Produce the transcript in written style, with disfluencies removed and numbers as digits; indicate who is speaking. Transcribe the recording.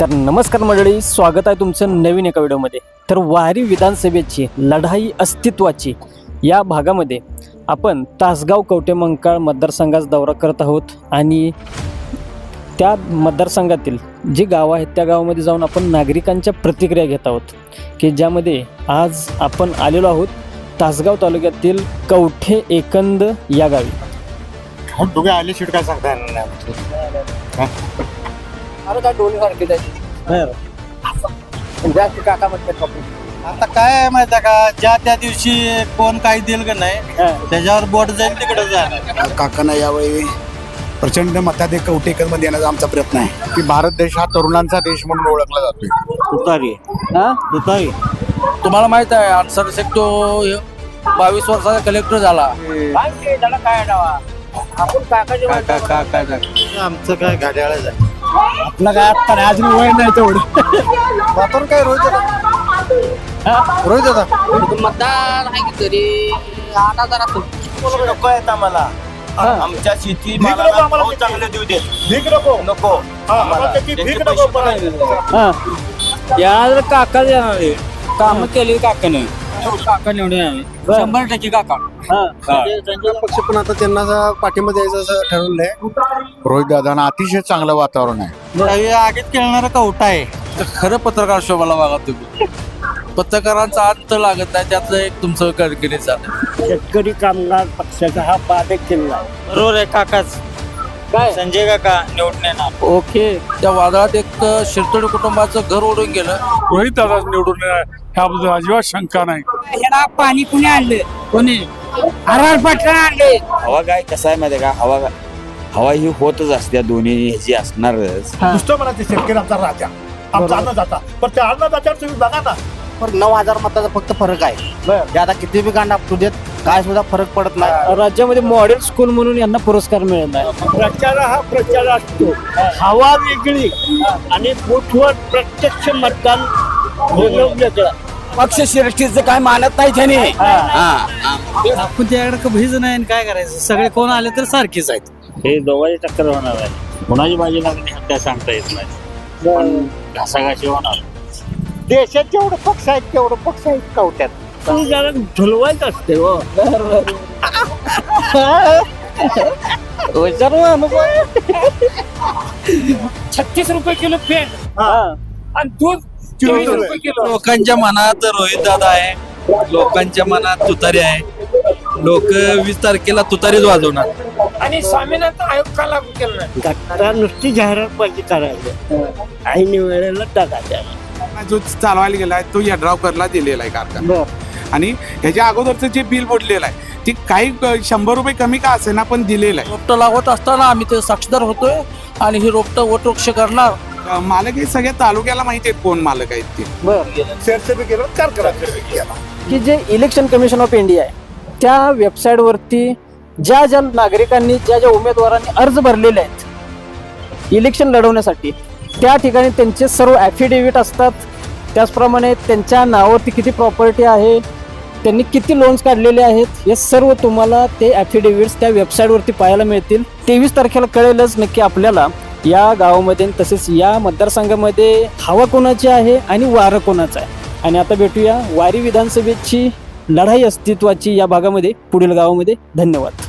Speaker 1: तर नमस्कार मंडळी, स्वागत आहे तुमचं नवीन एका व्हिडिओमध्ये। तर वारी विधानसभेची लढाई अस्तित्वाची या भागामध्ये आपण तासगाव कवठेमंकाळ मतदारसंघाचा दौरा करत आहोत आणि त्या मतदारसंघातील जी गावं आहेत त्या गावामध्ये जाऊन आपण नागरिकांच्या प्रतिक्रिया घेत आहोत की ज्यामध्ये आज आपण आलेलो आहोत तासगाव तालुक्यातील कवठे एकंद या गावी।
Speaker 2: तुम्ही आले शिट काय सांगता येणार नाही।
Speaker 1: अरे काय डोली सारखी काका म्हणतात
Speaker 2: आता काय आहे माहिती आहे का, ज्या त्या दिवशी कोण काही दिल का नाही त्याच्यावर बोट जाईल तिकडे जाणार।
Speaker 3: काकांना यावेळी प्रचंड मताधिक कवठेकरमध्ये येण्याचा आमचा प्रयत्न आहे
Speaker 2: की भारत देश हा तरुणांचा देश म्हणून ओळखला जातोय। तुतारी तुतारी
Speaker 4: तुम्हाला माहित आहे 68 तो 22 वर्षाचा कलेक्टर झाला।
Speaker 2: आमचं काय घड्याळच आहे,
Speaker 3: आपलं काय आता नाही, अजून वय नाही तेवढं
Speaker 2: वातावरण काय रोहित दादा
Speaker 4: मतदार आहे की तरी 8,000
Speaker 2: नको आहेत आम्हाला। आमच्या शेती चांगले देऊ दे, भीक नको नको
Speaker 4: या काका येणार काम केली काकाने, काका निवडून यावे 100% काका।
Speaker 2: पक्ष पण आता त्यांना पाठिंबा द्यायचं असं ठरवलंय।
Speaker 3: रोहित दादांना अतिशय चांगलं वातावरण आहे।
Speaker 2: आगीत खेळणारा कवटा आहे।
Speaker 4: तर खरं पत्रकार शोभाला बघा तुम्ही, पत्रकारांचा अर्थ लागत नाही, त्यातलं एक तुमचं कडकीने चालू।
Speaker 1: शेतकरी कामगार पक्षाचा हा बाधक किल्ला
Speaker 2: बरोबर आहे काकाच,
Speaker 1: काय
Speaker 2: संजय काका निवडून येणार।
Speaker 1: ओके।
Speaker 4: त्या वादळात एक शिरतोडी कुटुंबाचं घर ओढून गेलं।
Speaker 5: रोहित दादा निवडून ह्याबद्दल अजिबात शंका नाही।
Speaker 4: ह्याला पाणी कुणी आणले, कोणी आर पाटला आणले।
Speaker 6: हवा काय कसं आहे माहिती आहे का, हवा ही होतच असते, दोन्ही ह्याची असणारच।
Speaker 3: नुसतं मला ते शेतकरी आमचा राजा, आमचा अन्नदाता, पण त्या अन्नदात्यावर तुम्ही बघा ना,
Speaker 2: पण 9,000 मताचा फक्त फरक आहे। ते आता किती बी गांडा आपटू देत, काय सुद्धा फरक पडत नाही।
Speaker 1: राज्यामध्ये मॉडेल स्कूल म्हणून यांना पुरस्कार मिळत आहे।
Speaker 3: प्रचार हा प्रचार असतो, हवा वेगळी आणि बूथवर प्रत्यक्ष मतदान वेगळं।
Speaker 4: पक्ष श्रेष्ठीचं काय मानत नाही त्याने। आपण त्याकडे भीज नाही, काय करायचं, सगळे कोण आले तर सारखेच आहेत।
Speaker 7: हे दोघांची टक्कर होणार आहे, कोणाची बाजी लागली हे काय सांगता येत नाही, पण घासाघाशी होणार।
Speaker 3: देशात जेवढं पक्ष आहेत तेवढं पक्ष आहेत कवट्यात, तुम्ही जरा झुलवायचं असते हो।
Speaker 1: 36 रुपये किलो पेंट आणि दूध 24 रुपये किलो।
Speaker 4: लोकांच्या मनात रोहित दादा आहे, लोकांच्या मनात तुतारी आहे। लोक 20 तारखेला तुतारीच वाजवणार
Speaker 1: आणि स्वामीनाथन आयोग का लागू केलं नाही?
Speaker 3: घटना नुसती जाहिरात पाहिजे करायचं, ऐन वेळेला टाकायचं।
Speaker 5: जो चालवायला गेलाय तो यड्रावकरला दिलेला आहे कारखाना, आणि ह्याच्या अगोदरचं जे बिल बोललेलं आहे ते काही 100 रुपये कमी का असे ना, पण दिलेलं आहे।
Speaker 4: रोपटं लागवत असताना आम्ही ते साक्षीदार होतोय आणि ही रोपटं वटवृक्ष करणार।
Speaker 5: मालक हे सगळ्या तालुक्याला माहिती आहेत कोण मालक आहेत ते।
Speaker 3: शेअरसेबी केलं, कारखाना केला।
Speaker 1: की जे इलेक्शन कमिशन ऑफ इंडिया आहे त्या वेबसाईटवरती ज्या ज्या नागरिकांनी ज्या उमेदवारांनी अर्ज भरलेले आहेत इलेक्शन लढवण्यासाठी, त्या ठिकाणी त्यांचे सर्व ॲफिडेव्हिट असतात। त्याचप्रमाणे त्यांच्या नावावरती किती प्रॉपर्टी आहे, त्यांनी किती लोन्स काढलेले आहेत, हे सर्व तुम्हाला ते ॲफिडेव्हिट्स त्या वेबसाईटवरती पाहायला मिळतील। 23 तारखेला कळेलच नक्की आपल्याला या गावामध्ये तसेच या मतदारसंघामध्ये हवा कोणाची आहे आणि वारं कोणाचं आहे। आणि आता भेटूया वारी विधानसभेची लढाई अस्तित्वाची या भागामध्ये पुढील गावामध्ये। धन्यवाद।